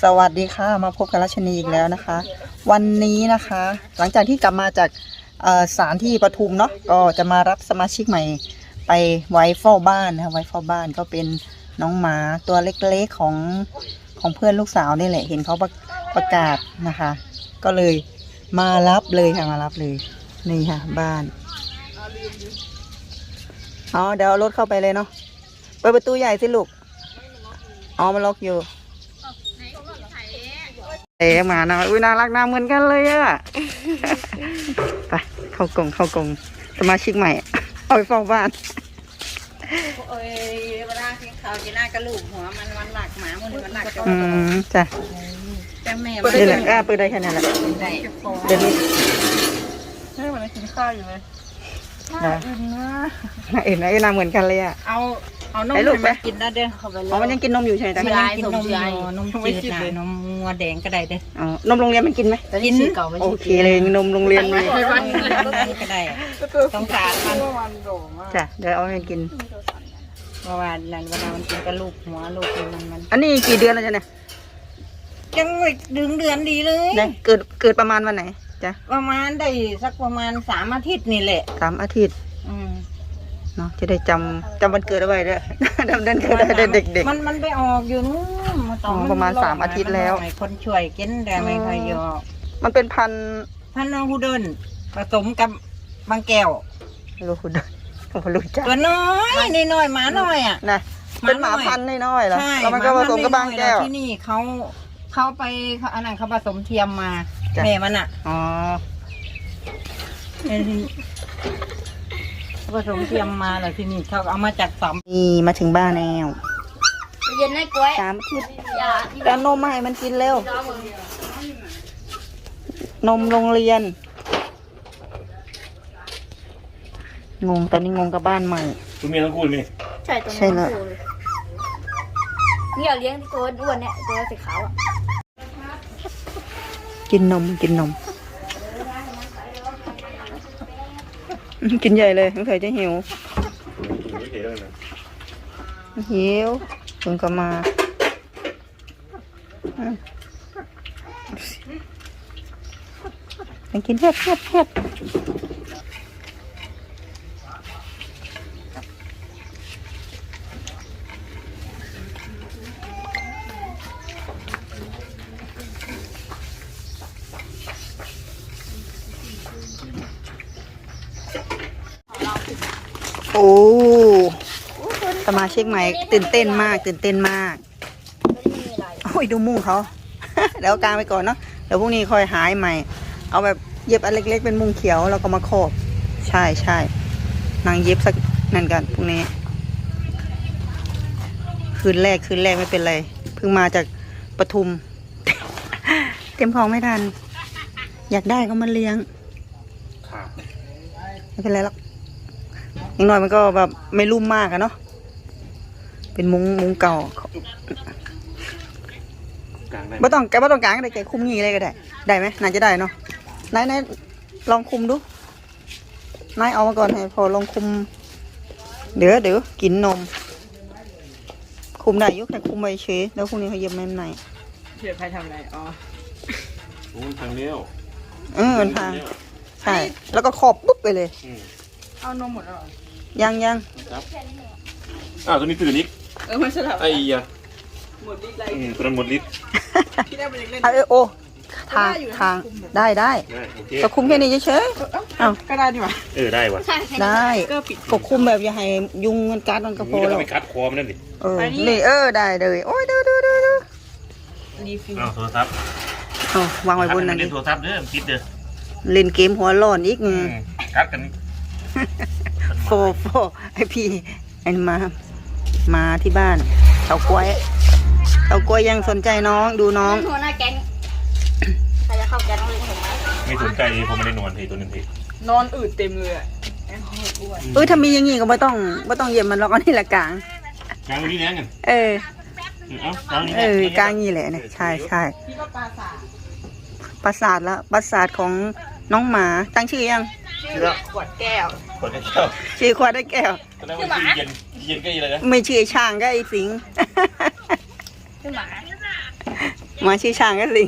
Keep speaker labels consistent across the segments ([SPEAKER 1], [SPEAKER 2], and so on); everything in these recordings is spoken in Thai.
[SPEAKER 1] สวัสดีค่ะมาพบกับรัชนีอีกแล้วนะคะ วันนี้นะคะหลังจากที่กลับมาจากศาลที่ปทุมเนาะก็จะมารับสมาชิกใหม่ไปไว้เฝ้าบ้านนะคะไว้เฝ้าบ้านก็เป็นน้องหมาตัวเล็กๆของเพื่อนลูกสาวนี่แหละเห็นเขาประกาศนะคะ ก็เลยมารับเลยค่ะมารับเลยนี่ค่ะบ้านอ๋อเดี๋ยวเอารถเข้าไปเลยเนาะเปิดประตูใหญ่สิลูกอ๋อมันล็อกอยู่หมานะอุ้ยน่ารักน่าเหมือนกันเลยอะไปเข้ากรงสมาชิกใหม่เอาไปเฝ้าบ้าน
[SPEAKER 2] โอ้ยเวลาที่เขาจะน่ากระลูกหัวมันหลักหมามันหลัก
[SPEAKER 1] จ้ะ
[SPEAKER 2] แต่แม่
[SPEAKER 1] นี่แหละเปิดได้แค่นั้นแหละเดี๋ยวนี้
[SPEAKER 2] ให้มันกินข้าวอยู่เลย
[SPEAKER 1] น่าอื่นน่าเหมือนกันเลยอะ
[SPEAKER 2] เอานมมากินนะเด้อเขาไปเลย
[SPEAKER 1] มันยังกินนมอยู่ใช่ไหม
[SPEAKER 2] มันยังกินนมอยู่นมจืดนมงัวแดงก็ได้เด้อ
[SPEAKER 1] นมโรงเรียนมันกินไหม
[SPEAKER 2] กิน
[SPEAKER 1] โอเคเลยนมโรงเรียนเลย
[SPEAKER 2] ก็ได้ต้องการมัน
[SPEAKER 1] จ้ะเดี๋ยวเอาให้กิน
[SPEAKER 2] เมื่อวานนั้นเวลามันกินกับลูกหัวลูกมัน
[SPEAKER 1] อันนี้กี่เดือนแล้วจ๊ะเนี่ย
[SPEAKER 2] ยังไม่ดึงเดือนดีเลย
[SPEAKER 1] เกิดประมาณวันไหนจ้ะ
[SPEAKER 2] ประมาณได้สักประมาณ3 อาทิตย์นี่แหละ
[SPEAKER 1] 3 อาทิตย์เนาะจะได้จำวันเกิดเอาไว้ด้วยจำเดือนเกิดได้เด็ก
[SPEAKER 2] ๆมันไปออกอยู่นู้น
[SPEAKER 1] ประมาณ3 อาทิตย์แล้ว
[SPEAKER 2] คนช่วยกินแต่ไม่เคยยอ
[SPEAKER 1] มันเป็นพัน
[SPEAKER 2] น้องฮูเดินผสมกับบางแก้ว
[SPEAKER 1] ลูกฮูเดินผมรู้จัก
[SPEAKER 2] ตัวน้อยหมาน้อยอ่ะ
[SPEAKER 1] นะเป็นหมาพันธุ์น้อยๆเหรอแล้วมันก็ผสมกับบางแก้ว
[SPEAKER 2] ที่นี่เขาไปอันนั้นเขาผสมเทียมมาแม่มันอ่ะ
[SPEAKER 1] อ๋อ
[SPEAKER 2] ผสมเทียมมาเลยที่นี่เขาเอามาจากสาม
[SPEAKER 1] นี่มาถึงบ้านแล้ว
[SPEAKER 3] เย็นให้กล้วย
[SPEAKER 1] 3 อาทิตย์แล้วนมมาให้มันกินเร็ว นมโรงเรียนงงตอนนี้งงกับบ้านใหม่
[SPEAKER 4] คุณมีทั้งคู่ไหม
[SPEAKER 3] ใช่ตัวนี้เลยนี่เราเลี้ยงตัวอ้วนเนี่ยตัวสีขาวอ่ะ
[SPEAKER 1] กินนมกินใหญ่เลยสงสัยจะหิวเพิ่งก็มากินแฮบโอ้สมาชิกใหม่ตื่นเต้นมากโอ้ยดูมุ้งเขาเดี๋ยวกางไปก่อนเนาะเดี๋ยวพรุ่งนี้ค่อยหายใหม่เอาแบบเย็บอันเล็กๆเป็นมุ้งเขียวแล้วก็มาโคบใช่นางเย็บสักนั่นกันพรุ่งนี้คืนแรกไม่เป็นไรเพิ่งมาจากปทุมเตรียมของไม่ทันอยากได้ก็มาเลี้ยงไม่เป็นไรหรอกอย่างน้อยมันก็แบบไม่รุ่มมากอะเนาะเป็นมุ้งเก่าไม่ต้องกางก็ได้แกคุมงี้เลยก็ได้ไหมนายจะได้เนาะนายลองคุมดูนายเอามาก่อนให้พอลองคุมเดี๋ยวกินนมคุมได้ยุกแต่คุมไปเฉยแล้วพรุ่งนี้เขาเย็บแม่ไหน
[SPEAKER 2] เพื่อใครทำอะไร
[SPEAKER 4] มันพังเลี้ยว
[SPEAKER 1] มันพังใช่แล้วก็ขอบปุ๊บไปเลย
[SPEAKER 2] เอานมหมดแล้ว
[SPEAKER 1] ยัง
[SPEAKER 4] ครับตัวนี้ตื่นอีก
[SPEAKER 2] มันสลับ
[SPEAKER 4] ไอ้ยะ
[SPEAKER 2] หมดฤทธิ์อะไร
[SPEAKER 4] ตัวนั้นหมดฤทธิ์
[SPEAKER 2] ที่ได้ไปเล่น
[SPEAKER 1] โอ้ทางได้ก็คุมแค่นี้เฉย
[SPEAKER 2] ก็ได้ดีกว่า
[SPEAKER 4] ได้ว่ะ
[SPEAKER 1] ได้ก็คุมแบบอย่าให้ยุงมันกัดมันกระโปรง
[SPEAKER 4] เราไปกัดคอมันนั่นดิ
[SPEAKER 1] นี่ได้เลยโอ้ยดู
[SPEAKER 4] โทรศัพท์
[SPEAKER 1] วางไว้บนนั่น
[SPEAKER 4] ดิโทรศัพท์เนี่ยคิดเด้อ
[SPEAKER 1] เล่นเกมหัวร้อนอีก
[SPEAKER 4] กัดกัน
[SPEAKER 1] โฟไอพี่ไอ้มาที่บ้านเฉากล้วยยังสนใจน้องดูน้อง
[SPEAKER 3] หัวหน้าแก๊งใครจะเข้าแก๊งต้องเลี้ยงผมไหม
[SPEAKER 4] ไม่สนใจผมไม่ได้นอนทีตัวนึงที
[SPEAKER 2] นอนอืดเต็มเลย
[SPEAKER 1] ถ้ามีอย่างงี้ก็ไม่ต้องเย็บมันหรอกอันนี้แหละกลาง
[SPEAKER 4] นี่แน่กัน
[SPEAKER 1] กลางนี่แหละเนี่ยใช่
[SPEAKER 2] พี่ก็ปรา
[SPEAKER 1] สาทแล้วปราสาทของน้องหมาตั้งชื่อยัง
[SPEAKER 2] ขวดแก้ว
[SPEAKER 1] ชื่อขวดได้แก้ว
[SPEAKER 4] ชื่อหมาเย็นก็ยังไงนะ
[SPEAKER 1] ไม่ชื่อช่างก็ไอ้สิง
[SPEAKER 3] ชื่อหมา
[SPEAKER 1] หมาชื่อช้างก็สิง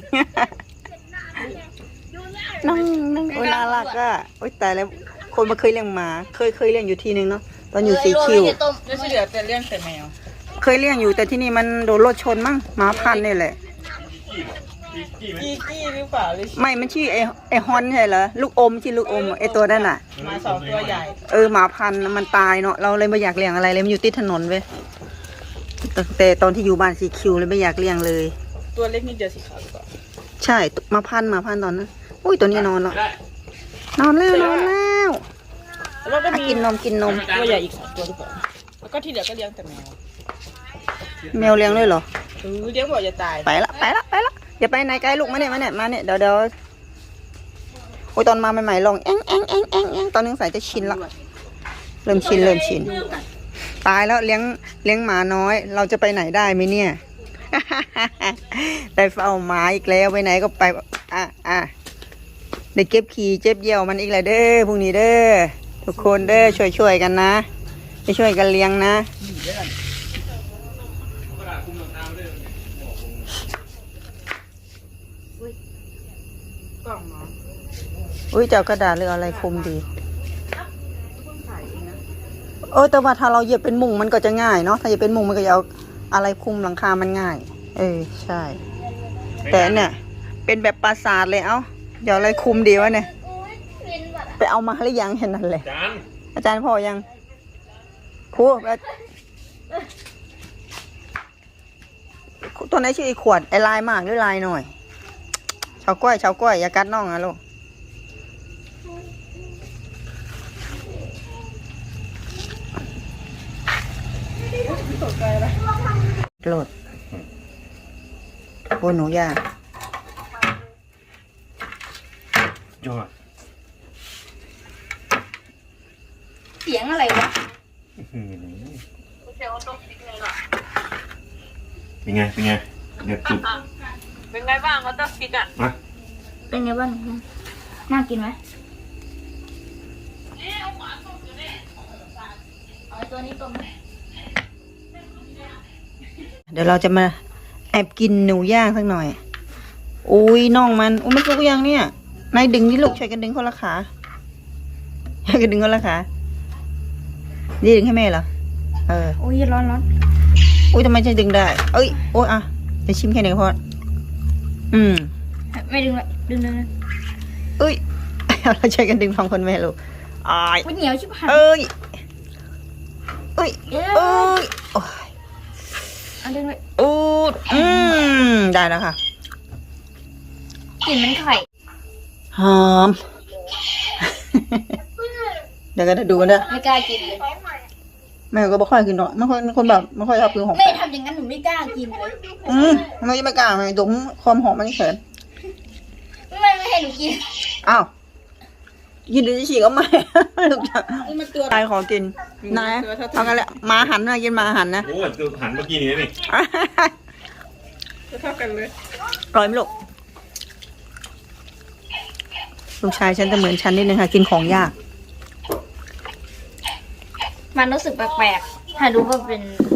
[SPEAKER 1] น้องโอ้ยน่ารักอ่ะโอ้ยตายแล้วคนมาเคยเลี้ยงหมาเคยเลี้ยงอยู่ทีนึงเนาะตอนอยู่สีคิว
[SPEAKER 2] เดี๋ยวสิเหลือแต่เรื่องแต่แมว
[SPEAKER 1] เคยเลี้ยงอยู่แต่ที่นี่มันโดนรถชนมั้งหมาพันธุ์นี่แหละ
[SPEAKER 2] กี้หรือเปล่าหรือ
[SPEAKER 1] ไม่มันชื่อไอฮอนใช่เหรอลูกอมชื่อลูกอมไอตัวนั่นน่ะ
[SPEAKER 2] มาสองตัวใหญ่
[SPEAKER 1] หมาพันธุ์มันตายเนาะเราเลยไม่อยากเลี้ยงอะไรเลยมันอยู่ติดถนนเว้ยแต่ตอนที่อยู่บ้านสีคิวเลยไม่อยากเลี้ยงเลย
[SPEAKER 2] ตัวเล็กนิดเดียวสีขาวหรือเปล่า
[SPEAKER 1] ใช่มาพันธุ์ตอนนั้นอุ้ยตัวนี้นอนแล้วนอนแล้ว
[SPEAKER 2] แล้วก็มี
[SPEAKER 1] กินนม
[SPEAKER 2] ตัวใหญ่อีก2 ตัวหรือเปล่าแล้วก็ที่เหลือก็เลี้ยงแต่แมว
[SPEAKER 1] แมวเลี้ยงด้วยเหรอ
[SPEAKER 2] เลี้ยงบอกจะตาย
[SPEAKER 1] ไปละอย่าไปไหนไกลลูกมาเนี่ยเดี๋ยวโอ้ยตอนมาใหม่ๆลองแองตอนนึงใส่จะชินละเริ่มชินตายแล้วเลี้ยงหมาน้อย เราจะไปไหนได้ไหมเนี่ย ไปเฝ้าหมาอีกแล้วไปไหนก็ไปได้เก็บขี่เจ็บเยี่ยวมันอีกแล้วเด้อพรุ่งนี้เด้อทุกคนเด้อช่วยกันนะช่วยกันเลี้ยงนะ
[SPEAKER 2] กล่องเนาะ
[SPEAKER 1] อุ้ยจะเอากระดาษหรืออะไรคุมดีแต่ว่าถ้าเราเหยียบเป็นมุงมันก็จะง่ายเนาะถ้าเหยียบเป็นมุงมันก็จะเอาอะไรคุมหลังคามันง่าย ใช่ แต่เนี่ยเป็นแบบปราสาทเลยเดี๋ยวอะไรคุมดีวะเนี่ยไปเอามาหรือยังเห็นนั่นเลย อาจารย์พอยังครูตัวไหนชื่อไอ้ขวดไอ้ลายมากหรือลายหน่อยชาวก้อยอย่ากัดน้องนะลูกโหลดโอ้หนูย่าย
[SPEAKER 4] อด
[SPEAKER 3] เสียงอะไรวะ
[SPEAKER 4] เป็นไงเดี๋ยวจุด
[SPEAKER 2] เป็นไงบ้างเขาต้องฟิกอ่ะ
[SPEAKER 4] มา
[SPEAKER 3] เป็นไงบ้างน่ากินไหมเอาตัวนี้ต้ม
[SPEAKER 1] เดี๋ยวเราจะมาแอบกินหนูย่างสักหน่อยอุ้ยน้องมันไม่สุกยังเนี่ยนายดึงนี่ลูกช่วยกันดึงคนละขาช่วยกันดึงคนละขานี่ดึงให้แม่เหรอ
[SPEAKER 3] โอ้ยร้อน
[SPEAKER 1] อุ้ยทำไมจะดึงได้โอ้ยจะชิมแค่ไหนก็พอ
[SPEAKER 3] ไม่ดึงเลยดึง
[SPEAKER 1] เราช่วยกันดึงพร้อมคนแม่ลูก
[SPEAKER 3] อุ้ยเหนียวชิบหาย
[SPEAKER 1] โอ้ยโอ้ย
[SPEAKER 3] เอาดึงเลย
[SPEAKER 1] ได้แล้วค่ะ
[SPEAKER 3] กลิ่นมันไข่
[SPEAKER 1] หอม เดี๋ยวก็จะดูกันนะ
[SPEAKER 3] ไม่กล้ากินเลย
[SPEAKER 1] แม่ก็ไม่ค่อยกินหรอกไม่ค่อยคนแบบไม่ค่อยชอบกินของ
[SPEAKER 3] แม่ทำอย่างนั้นหนูไม่กล้ากินเลย
[SPEAKER 1] ทำไมไม่กล้าดมความหอมมันเขิน
[SPEAKER 3] ไม่ให้หนูกิน
[SPEAKER 1] อ้าวยินดีฉีกก็ไม่ทุกอย่าง
[SPEAKER 2] นี่มันตัว
[SPEAKER 1] ตายขอกินนายเอากันแหละมาหันนะกินมาหันนะ
[SPEAKER 4] โอ้ยตัวหันเมื่อกี้นี้นี่
[SPEAKER 2] เท่ากันเลย
[SPEAKER 1] อร่อยไหมลูกลูกชายฉันจะเหมือนฉันนิดนึงค่ะกินของยาก
[SPEAKER 3] มันรู้สึกแปลกๆถ้าดูว่าเป็น